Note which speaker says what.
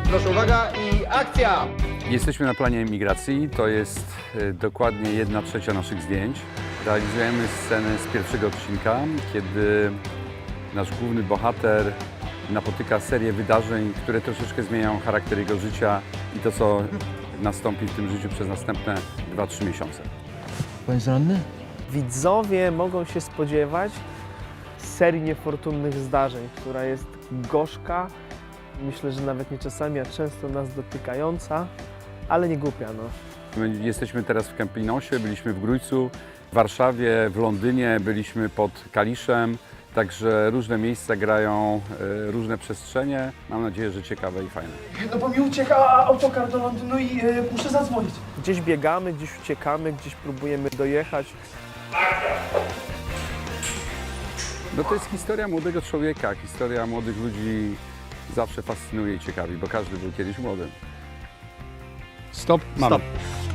Speaker 1: Proszę uwaga i akcja!
Speaker 2: Jesteśmy na planie emigracji, to jest dokładnie 1/3 naszych zdjęć. Realizujemy scenę z pierwszego odcinka, kiedy nasz główny bohater napotyka serię wydarzeń, które troszeczkę zmieniają charakter jego życia i to, co nastąpi w tym życiu przez następne 2-3 miesiące.
Speaker 3: Pan jest ranny?
Speaker 4: Widzowie mogą się spodziewać serii niefortunnych zdarzeń, która jest gorzka, myślę, że nawet nie czasami, a często nas dotykająca, ale nie głupia, no.
Speaker 2: My jesteśmy teraz w Kępinosie, byliśmy w Grójcu, w Warszawie, w Londynie, byliśmy pod Kaliszem, także różne miejsca grają, różne przestrzenie. Mam nadzieję, że ciekawe i fajne.
Speaker 5: No bo mi ucieka autokar do Londynu i muszę zadzwonić.
Speaker 4: Gdzieś biegamy, gdzieś uciekamy, gdzieś próbujemy dojechać.
Speaker 2: No to jest historia młodego człowieka, historia młodych ludzi zawsze fascynuje i ciekawi, bo każdy był kiedyś młody.
Speaker 6: Stop.
Speaker 2: Mamy.
Speaker 1: Stop.